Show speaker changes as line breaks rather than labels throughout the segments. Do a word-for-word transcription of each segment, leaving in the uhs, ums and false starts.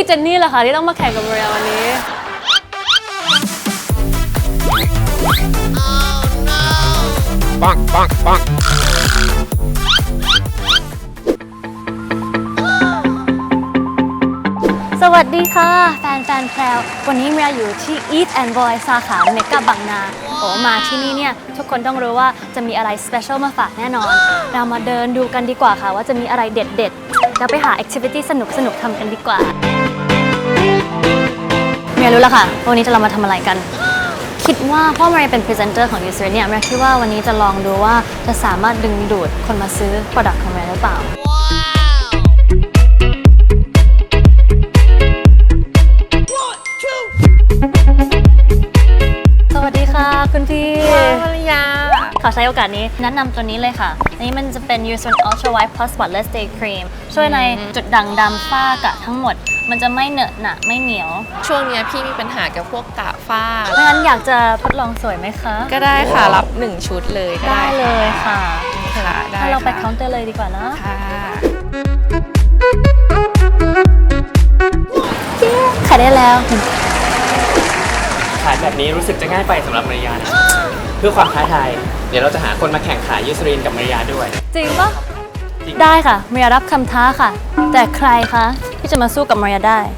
เจนนี่แหละค่ะที่ต้องมาแข่งกับมาริยาวันนี้ปังปังปังสวัสดีค่ะแฟนแฟนแพรววันนี้เมียอยู่ที่ Eat and Boy สาขาเมกะบางนาโอ้มาที่นี่เนี่ยทุกคนต้องรู้ว่าจะมีอะไรสเปเชียลมาฝากแน่นอนเรามาเดินดูกันดีกว่าค่ะว่าจะมีอะไรเด็ดๆแล้วไปหาแอคทิวิตี้สนุกสนุกทำกันดีกว่าเมียรู้แล้วค่ะวันนี้จะเรามาทำอะไรกันคิดว่าเพราะเมียเป็นพรีเซนเตอร์ของ User เนี่ยเมียคิดว่าวันนี้จะลองดูว่าจะสามารถดึงดูดคนมาซื้อ Product ของเมียหรือเปล่าสวัสดีค่ะคุณพี่ภรรยาขอใช้โอกาสนี้แนะนำตัวนี้เลยค่ะอันนี้มันจะเป็น User Ultra White Plus Spotless Day Cream ช่วยในจุดด่างดำฝ้ากระทั้งหมดมันจะไม่เหนอะหนะไม่เหนียว
ช่วงนี้พี่มีปัญหากับพวกกระฝ้า
ไม่งั้นอยากจะทดลองสวยไหมคะ
ก็ได้ค่ะรับหนึ่งชุดเลย
ได้เลยค่ะ
ค่ะได้
ถ้าเราไปเคาน์เตอร์เลยดีกว่านะ
ค่ะ
ขายได้แล้ว
ขายแบบนี้รู้สึกจะง่ายไปสำหรับมาริยานะเพื่อความท้าทายเดี๋ยวเราจะหาคนมาแข่งขายยูซรีนกับมาริยาด้วย
จริงปะได้ค่ะมาริยารับคำท้าค่ะแต่ใครคะที่จะมาสู้กับมาริยาได้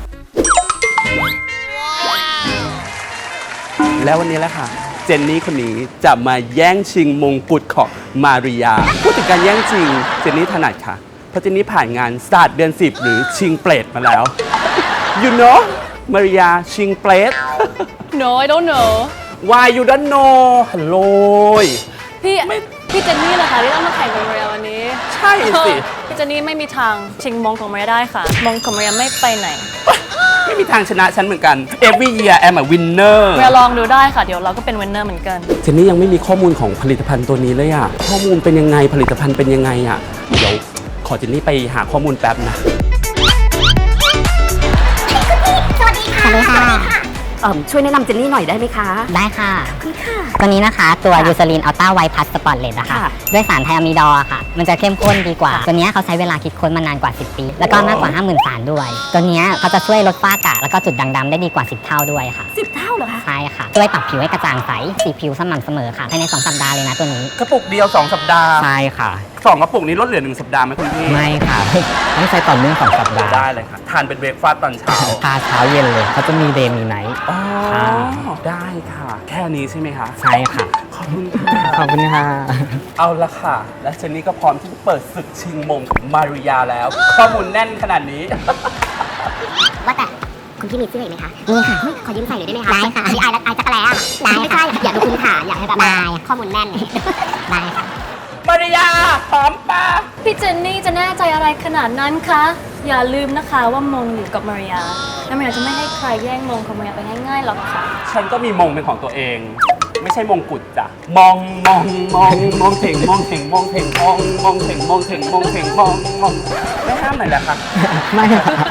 แล้ววันนี้แหละค่ะเจนนี่คนนี้จะมาแย่งชิงมงกุฎของมาริยาพูดถึงการแย่งชิงเจนนี่ถนัดค่ะเพราะเจนนี่ผ่านงานศาสตร์เดือนสิบหรือชิงเปรตมาแล้ว you know มาริยาชิงเปรต
No I don't know
Why you don't know ฮัลโหล
พี่พี่เจนนี่เหรอคะที่ต้องมาแข่งกับมาริยาวันนี้
ใช่สิ
พี่เจนนี่ไม่มีทางชิงมงของมาริยาได้ค่ะมงของมาริยาไม่ไปไหน
ไม่มีทางชนะฉันเหมือนกัน Every year I'm a winner
มาลองดูได้ค่ะเดี๋ยวเราก็เป็น winner เหมือนกัน
เจนนี่ยังไม่มีข้อมูลของผลิตภัณฑ์ตัวนี้เลยอะข้อมูลเป็นยังไงผลิตภัณฑ์เป็นยังไงอะเดี๋ยวขอเจนนี่ไปหาข้อมูลแป๊บนะ
สวัสดีค่ะช่วยแนะนำเจนนี่หน่อยได้ไหมคะ
ได้ค่ะคุณค่ะตัวนี้นะคะตัวยูซาลินอัลต้าไวท์พัสสปอตเลตนะคะด้วยสารไทอะมิดอลค่ะมันจะเข้มข้นดีกว่าตัวนี้เขาใช้เวลาคิดค้นมานานกว่าสิบปีแล้วก็มากกว่า ห้าหมื่น สารด้วยตัวนี้เขาจะช่วยลดฝ้ากระแล้วก็จุดด่างดำได้ดีกว่าสิบเท่าด้วยค่ะ
สิบเท่าเหรอคะ
ใช่ค่ะช่วยปรับผิวให้กระจ่างใสสีผิวสม่ำเสมอค่ะภายในสองสัปดาห์เลยนะตัวนี้
กระปุกเดียวสองสัปดาห์
ใช่ค่ะ
สองกระปุกนี้ลดเหลือหนึ่งสัปดาห์ไหมคุณพี่
ไม่ค่ะต้องใช้ต่อเนื่องสองสัปดาห์
ได้เลยค่ะทานเป็นเบรกฟาสต์ตอนเช้า
ทานเช้าเย็นเลยเขาจะมีเดย์มีไนท์
อ๋อได้ค่ะแค่นี้ใช่ไหมคะ
ใช่ค่ะ
ขอบคุณค่ะ
ขอบคุณค่ะ
เอาละค่ะและเจนนี่ก็พร้อมที่จะเปิดศึกชิงมงของมาริยาแล้วข้อมูลแน่นขนาดนี้
ว่าแต่คุณพี่มีเสื้ออีกไหมคะ
มีค่ะ
ขอยืมใส่หน่อยได้ไหมคะ
ได้ค่ะ
พี่ไอายไอายจักรแล้ได้ไม่ใช่อยากดูคุณขาอยากให้แบบข้อมูลแน่นได้ค่ะ
มาริยาพร้อมปะ
พี่เจนนี่จะแน่ใจอะไรขนาดนั้นคะอย่าลืมนะคะว่ามงอยู่กับมาริยาและมาริยาจะไม่ให้ใครแย่งมงของมาริยาไปง่ายๆหรอกค่ะ
ฉันก็มีมงเป็นของตัวเองไม่ใช่มงกุฎจ้ะมองมองมองมองเถ่งมองเถ่งมองเถ่งมองมองเถ่งมองเถ่งมองเถ่งมองมองไม่ห้ามหน่อยแหละครับ
ไม่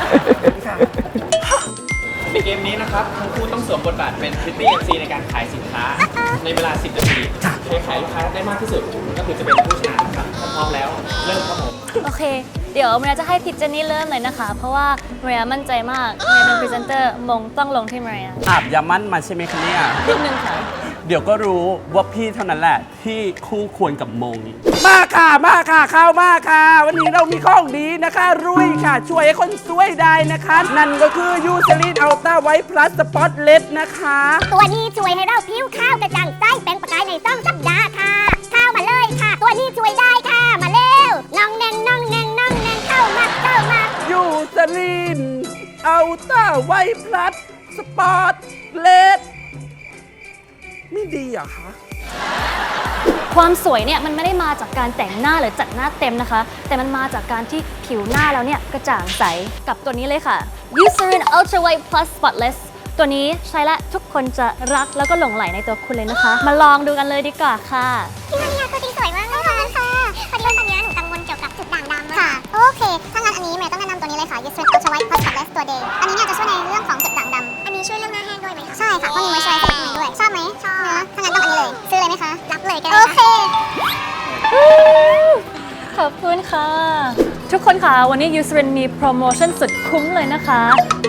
ในเกมนี้นะครับทั้งคู่ต้องสวมบทบาทเป็นพริตตี้เอ็มซีในการขายสินค้าในเวลาสิบนาทีใครขายลูกค้าได้มากที่สุดก็คือจะเป็นผู้ชนะครับพร้อมแล้วเริ่มครับผม
โอเคเดี๋ยวมาริยาจะให้พี่เจนนี่เริ่มเลยนะคะเพราะว่ามาริยามั่นใจมากมาริยาเป็นพรีเซนเตอร์มงต้องลงที่มาริยา
อาบยามั่นมาใช่ไหมคะเนี่ย
นิดนึงค่ะ
เดี๋ยวก็รู้ว่าพี่เท่านั้นแหละที่คู่ควรกับมงมาค่ะมาค่ะเข้ามาค่ะวันนี้เรามีของดีนะคะรุ่ยค่ะช่วยให้คนสวยได้นะคะนั่นก็คือยูซาลินอัลต้าไวท์พลัสสปอตเลตนะคะ
ตัวนี้ช่วยให้เราผิวขาวกระจ่างใสเป็นประกายในสองสัปดาห์ค่ะเข้ามาเลยค่ะตัวนี้ช่วยได้ค่ะมาเร็วน้องแนงน้องแนงน้องแนงเข้ามาเข้ามา
ยูซาลินอัลต้าไวท์พลัสสปอตเลตไม่ดีเหรอคะ
ความสวยเนี่ยมันไม่ได้มาจากการแต่งหน้าหรือจัดหน้าเต็มนะคะแต่มันมาจากการที่ผิวหน้าเราเนี่ยกระจ่างใสกับตัวนี้เลยค่ะ Eucerin Ultra White Plus Spotless ตัวนี้ใช้และทุกคนจะรักแล้วก็หลงใหลในตัวคุณเลยนะคะมาลองดูกันเลยดีกว่าค่ะ
พี่มาริยาตัวจริงสวยมากเลยค่ะพอดีตอนนี้หนูกังวลเกี่ยวกับจุดด่างดำค่ะโอเคถ้างั้นอันนี้เมย์ต้องแนะนำตัวนี้เลยค่ะ Eucerin Ultra White Plus Spotless ตัว Day อันนี้เนี่ยจะช่วยในเรื่องของจุดด่างดำอันนี้ช่วยเรื่องหน้าแห้งด้วยไหมคะใช่ค่ะเพราะมีมอยส์เจอไรเซอร์ข้างในด้วยชอบไหมชอบนะถ้างั้นต้องอันนี้เลยซื้อเลยไหมคะรับเลยก็ได้โอเค
ขอบคุณค่ะทุกคนค่ะวันนี้ Eucerin มีโปรโมชั่นสุดคุ้มเลยนะคะ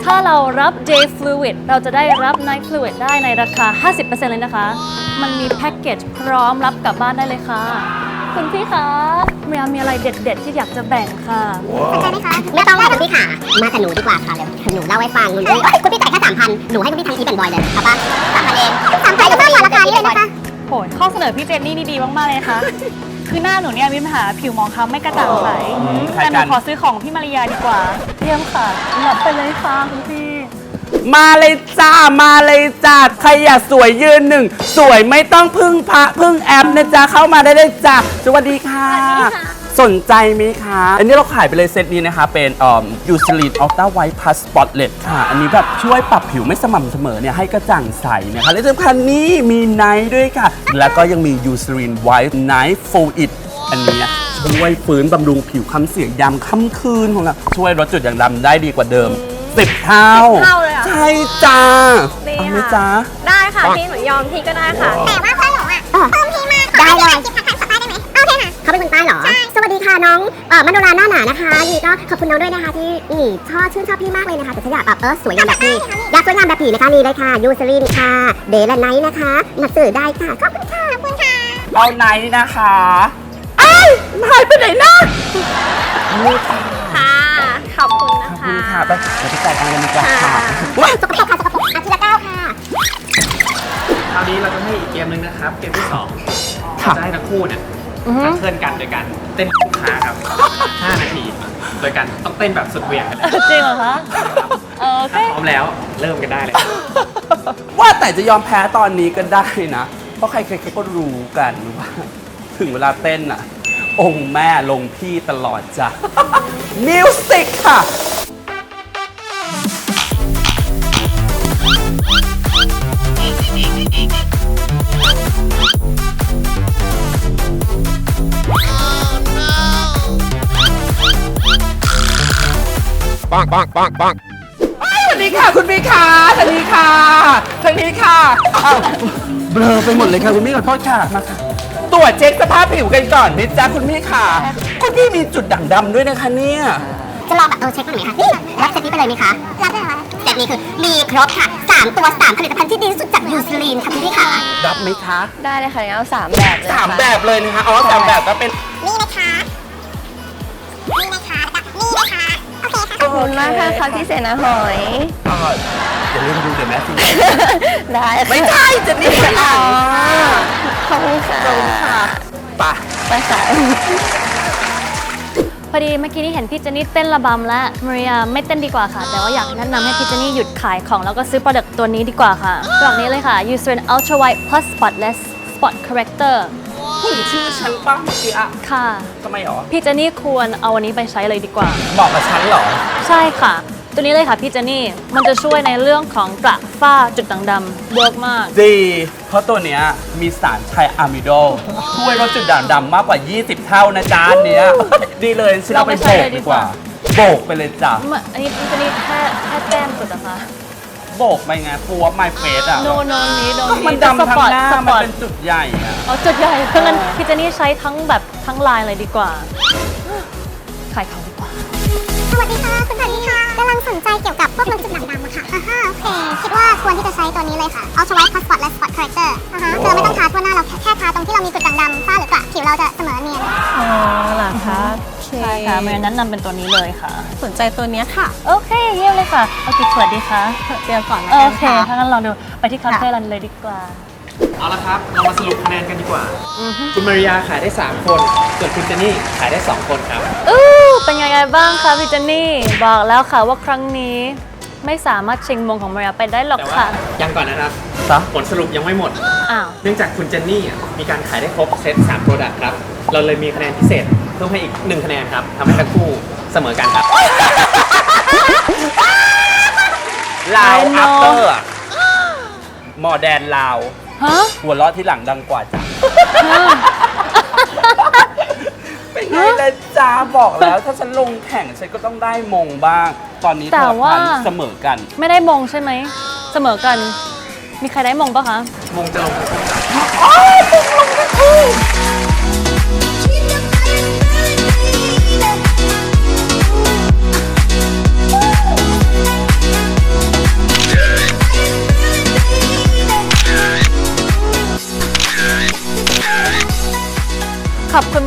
ถ้าเรารับ Day Fluid เราจะได้รับ Night Fluid ได้ในราคา ห้าสิบเปอร์เซ็นต์ เลยนะคะ มันมีแพ็กเกจพร้อมรับกลับบ้านได้เลยค่ะ คุณพี่คะเมียมีอะไรเด็ดๆที่อยากจะแบ่งค่ะ
สนใจไหมคะไม่ต้องค่ะคุณพี่ค่ะ มากับหนูดีกว่าค่ะเดี๋ยวหนูเล่าให้ฟังคุณพี่เอ้ยคุณพี่จ่ายแค่สามพันหนูให้คุณพี่ทำอีฟแอนด์บอยเลยเอาปะสามพันเองสามพันก็เพิ่มกว่าราคานี้เลยนะคะ
โหยข้อเสนอพี่เจนนี่นี่ดีมาก ๆ เลยนะคะ คือหน้าหนูเนี่ยมีปัญหาผิวหมองคล้ำไม่กระจ่างใส แต่หนูขอซื้อของพี่มาริยาดีกว่า เยี่ยมค่ะรับไปเลยค่ะคุณพี่
มาเลยจ้ามาเลยจ้าใครอยากสวยยืนหนึ่งสวยไม่ต้องพึ่งพระพึ่งแอปนะจ๊ะเข้ามาได้เลยจ้าสวัสดีค่ะ สนใจไหมคะ อันนี้เราขายไปเลยเซตนี้นะคะ เป็นเอ่อยูซิลีนอัลต้าไวท์พลัสสปอตเลตค่ะ อันนี้แบบช่วยปรับผิวไม่สม่ำเสมอเนี่ยให้กระจ่างใสนะคะและที่สำคัญนี้มีไนท์ด้วยค่ะ แล้วก็ยังมียูซิลีนไวท์ไนท์ฟูอิดอันนี้ช่วยฟื้นบำรุงผิวค้ำเสียยามค่ำคืนของเราช่วยลดจุดด่างดำได้ดีกว่าเดิมสิบเท่า
เท่าเลยเหรอ
ใช่จ้า
ดี
เอาไหม
ค่ะ
จ้า
ได้ค่ะพี่หนูยอมพี่ก็ได้ค่ะ
แต่ว่าเพื่อนหนูอ่ะเพิ่มพี่มากได้เลยกิฟต์ทักทายขอป้ายได้ไหมโอเคค่ะเขาเป็นคนใต้เหรอใช่สวัสดีค่ะน้องเอ่อมโนราหน้าหนานะคะนี่ก็ขอบคุณน้องด้วยนะคะที่นี่ชอบชื่นชอบพี่มากเลยนะคะแต่ฉันอยากแบบเออสวยงามแบบพี่อยากสวยงามแบบพี่นะคะนี่เลยค่ะยูซลินค่ะเดย์และไนท์นะคะหนักสื่อได้ค่ะขอบคุณค่ะขอบคุณค่ะ
เอาไนท์นะคะไอ้หายไปไหนนะนี่ค่ะ
ค่ะ ขอบคุณนะ
ขอบ
คะ
คุณค่ะไปเดี๋ยวไปจ่ายตังค์กันดีกว่าค่ะ
ว้ายสกปรกค่ะสกปรกอาทีละเก้าค่ะ
คราวนี้เราจะให้อีกเกมหนึ่งนะครับ เกมที่สอง
ค่ะ
จะให้ทั้งคู่เนี่ยเพื่อนกันโดยการเต้นลูกค้าครับ ห้า นาที โดยการต้องเต้นแบบสุดเหวี่ยงกันเลย
จริงเหรอคะโอเค
ถ้าพร้อมแล้วเริ่มกันได้เลย
ว่าแต่จะยอมแพ้ตอนนี้ก็ได้นะ เพราะใครๆเขาก็รู้กันว่า ถึงเวลาเต้นอ่ะ องค์แม่ลงพี่ตลอดจ้ะ มิวสิกค่ะ
Bonk, bonk, bonk, bonk.
สวัสดีค่ะคุณพี่ค่ะสวัสดีค่ะทางนี้ค่ะอ้าวเบลอไปหมดเลยค่ะคุณพี่ขอโทษค่ะมาค่ะตรวจเช็คสภาพผิวกันก่อนนิดจ้าคุณพี่ค่ะคุณพี่มีจุดด่างดำด้วยนะคะเนี่ย
จะลองแบบเออเช็คกันหน่อยไหมคะนี่รับเซตนี้ไปเลยไหมคะรับเลยเหรอเซตนี้คือมีครบค่ะสามตัวสามผลิตภัณฑ์ที่ดีที่สุดจากยูซลีนค่ะคุณพี่ค่ะ
รับไหมคะ
ได้เลยค่ะงั้นเอาสามแบบเลย
สาม
ค่ะ
แบบเลยนะคะอ๋อสามแบบก็เป็น
นี่นะคะนี่นะคะแล้วก็นี่นะคะโอเคค่ะ
ขอบคุณมากค่ะพี่เสนาหอย
อ่าอย่าลืมดูเดี๋ยวแม่สิ
ได้ค่ะ
ไม่ใช่จะนี่ค่ะ
ขอบคุณค่ะ
ป่ะ
ไปค่ะ
พอดีเมื่อกี้นี่เห็นพี่เจนนี่เต้นระบำและมาริยาไม่เต้นดีกว่าค่ะ แต่ว่าอยากแนะนำให้พี่เจนนี่หยุดขายของแล้วก็ซื้อ product ตัวนี้ดีกว่าค่ะตัวนี้เลยค่ะ Eucerin Ultra White Plus Spotless Spot Corrector
ผู้หญิงชื่อฉันป้าเมื่อกี้อะ
ค่ะ
ทำไมหรอ
พี่เจนนี่ควรเอาอันนี้ไปใช้เลยดีกว่า
บอกกับฉันเหรอ
ใช่ค่ะ ตัวนี้เลยค่ะพี่เจนนี่ มันจะช่วยในเรื่องของกระฝ้าจุดด่างดำเวิร์กมาก
ดี เพราะตัวเนี้ยมีสารไทอะมิโดช่วยลดจุดด่างดำมากกว่า ยี่สิบ เท่านะจ๊ะอันเนี้ย ดีเลยฉันเอาไปโบกดีกว่า โบกไปเลยจ้ะ
อันนี้พี่เจนนี่แค่แค่แก้มสุดนะคะ
โบกไปไงฟูวไมเฟสอ่ะ
โนโนนี้โน
ก็
นี้
มันดำทั้งหน้า
สป
มัน
อร์ต
เป็นจุดใหญ่อะ
อ๋อจุดใหญ่เพราะงั้นพี่เจนนี่ใช้ทั้งแบบทั้งลายเลยดีกว่า ขายของดีกว่า
สวัสดีค่ะคุณสวัสดีค่ะกำลังสนใจเกี่ยวกับพวกลดจุดด่างดำอะค่ะอ่าฮะโอเค คิดว่าควรที่จะใช้ตัวนี้เลยค่ะ Ultra White Plus Spotless Spot Corrector อ่าฮะคือไม่ต้องทาทั่วหน้าเราแค่แค่ทาตรงที่เรามีจุดด่างดำฝ้าหรือกระผิวเราจะเสมอเนียน
อ๋อเหรอคะโอเค
ใช่ค่ะเมย์แนะนำเป็นตัวนี้เลยค่ะ
สนใจตัวเนี้ยค่ะ
โอเค เยี่ยมเลยค่ะ เอากี่ขวดดีคะ
เดี๋ยวก่อนนะ
โอ
กัน
เค
ค่ะ
ถ้างั้นลองดูไปที่คาเฟ่รันเลยดีกว่า
เอาละครับ เรามาสรุปคะแนนกันดีกว่า คุณมาริยาขายได้ สาม คน ส่วนคุณเจนนี่ขายได้ สอง คนครับ
อู้เป็นยังไงบ้างคะพี่เจนนี่ บอกแล้วค่ะว่าครั้งนี้ไม่สามารถชิงมงของมาริยาไปได้หรอก
แต่ว่า
ค่ะ
ยังก่อนนะครับ
ซะ
ผลสรุปยังไม่หมด
อ้าว
เนื่องจากคุณเจนนี่อ่ะมีการขายได้ครบเซตสาม Product ครับ เราเลยมีคะแนนพิเศษเพิ่มให้อีก หนึ่ง คะแนนครับทำให้ทั้งคู่เสมอกันครับ
ลาว
I know
อัปเตอร์อะหมอแดนลาว
ฮะ
หัวเราะที่หลังดังกว่าจ้ะ เป็นไงล่ะจ้าบอกแล้วถ้าฉันลงแข่งฉันก็ต้องได้มงบ้าง ตอนนี้
แต่
เท่า
ว่า
ทันเสมอกัน
ไม่ได้มงใช่ไหม เสมอกัน มีใครได้มงปะคะ
มงจะลงทั้งคู่ครับ
เ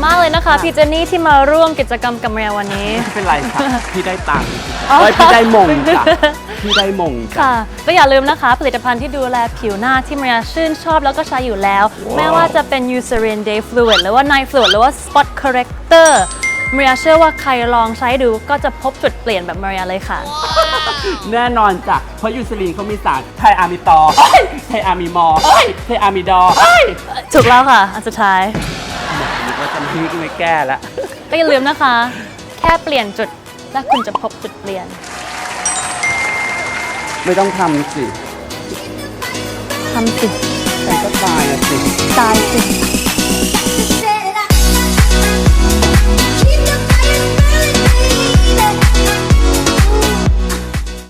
มากเลยนะคะพี่เจนนี่ที่มาร่วมกิจกรรมกับเมียวันนี้
ไม่เป็นไรค่ะ พี่ได้ตังค์
อ๋อ
เฮ้ยพี่ได้มงจ้ะพี่ได้มงจ้ะ
ค่ะและอย่าลืมนะคะ ผลิตภัณฑ์ที่ดูแลผิวหน้าที่เมียชื่นชอบแล้วก็ใช้อยู่แล้ว ไม่ว่าจะเป็น Eucerin Day Fluid หรือว่า Night Fluid หรือว่า Spot Corrector เมียเชื่อว่าใครลองใช้ดูก็จะพบจุดเปลี่ยนแบบเมียเลยค่ะ
แน่นอนจ้ะเพราะยูซลีนเขามีสารไทอามิตอร์เอ้ยไทอามิมอร์เอ้ยไทอามิดอร์เอ้ย
ถูกแล้วค่ะ อันสุดท้าย
นึกว่าจะพี่ก็ไม่แก้แล้ว
ก็อย่าลืมนะคะ แค่เปลี่ยนจุดและคุณจะพบจุดเปลี่ยน
ไม่ต้องทำสิ
ทำสิ
ฉันก็ตายอะสิ
ตายสิ